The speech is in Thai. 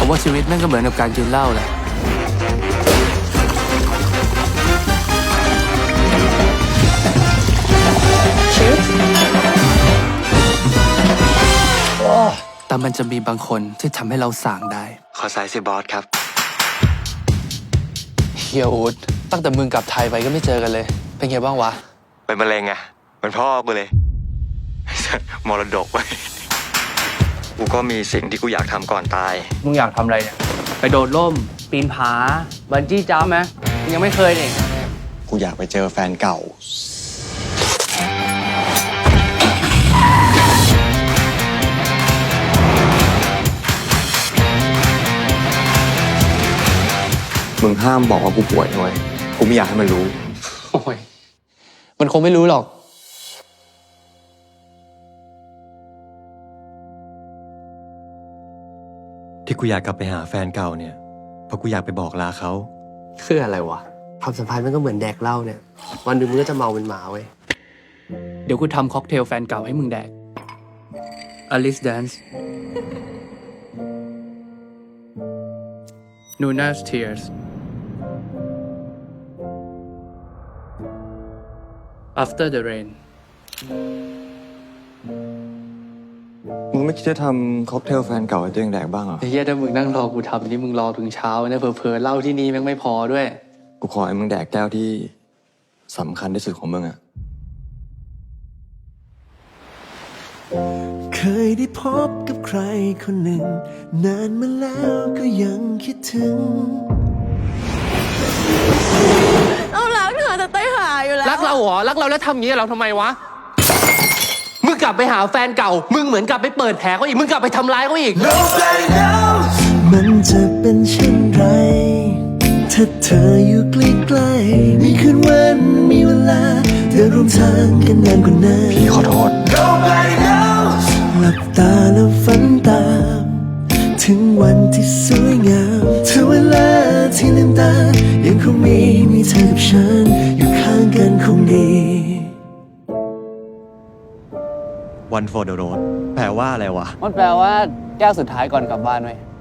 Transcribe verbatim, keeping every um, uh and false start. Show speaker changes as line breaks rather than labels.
ผมว่าชีวิตแม่งก็เหมือนกับการกินเหล้าแหละแต่มันจะมีบางคนที่ทำให้เราส่างได้
ขอสายสิบอสครับ
เฮียอูดตั้งแต่มึงกลับไทยไปก็ไม่เจอกันเลยเป็นไงบ้างวะ
เป็นมะเร็งไงเป็นพ่อกูเลยมรดกไว้กูก็มีสิ่งที่กูอยากทำก่อนตาย
มึงอยากทำอะไรเนี่ยไปโดดร่มปีนผาบันจี้จัมป์ไหมยังไม่เคยนี่
กูอยากไปเจอแฟนเก่ามึงห้ามบอกว่ากูป่วยด้วยกูไม่อยากให้มันรู้
โอ้ยมันคงไม่รู้หรอก
ที่กูอยากกลับไปหาแฟนเก่าเนี่ยเพราะกูอยากไปบอกลาเขา
คืออะไรวะความสัมพันธ์มันก็เหมือนแดกเหล้าเนี่ยวันหนึ่งมึงก็จะเมาเป็นหมาเว้ย
เดี๋ยวกูทำค็อกเทลแฟนเก่าให้มึงแดก Alice Dance Nuna's Tears After the Rain
มึงไม่คิดจะทำค็อกเทลแฟนเก่าให้ตัวเองแดกบ้างเหรอ
ไอ้เหี้ยถ้ามึงนั่งรอกูทำนี่มึงรอถึงเช้าเนี่ยเผลอๆเหล้าที่นี่แม่งไม่พอด้วย
กูขอให้มึงแดกแก้วที่สำคัญที่สุดของมึงอะ
เคยได้พบกับใครคนหนึ่งนานมาแล้วก็ยังคิดถึง
เรารักเธอจะตายหาอยู่แล้ว
รักเราเหรอรักเราแล้วทำอย่างนี้เราทำไมวะมึงกลับไปหาแฟนเก่ามึงเหมือนกลับไปเปิดแผลเขาอีกมึงกลับไปทำร้ายเขาอีก
มันจะเป็นเช่นไรถ้าเธออยู่ใกล้ๆมีคืนวันมีเวลาเธอร่วมทางกันนานกว่านั้น
พี่ขอโทษ
หลับตาแล้วฝันตามถึงวันที่สวยงามถึงเวลาที่ลืมตายังคงมีมีเธอกับฉันอยู่ข้างกันคงดี
One for the road แปลว่าอะไรวะ
มันแปลว่าแก้วสุดท้ายก่อนกลับบ้านเว้ย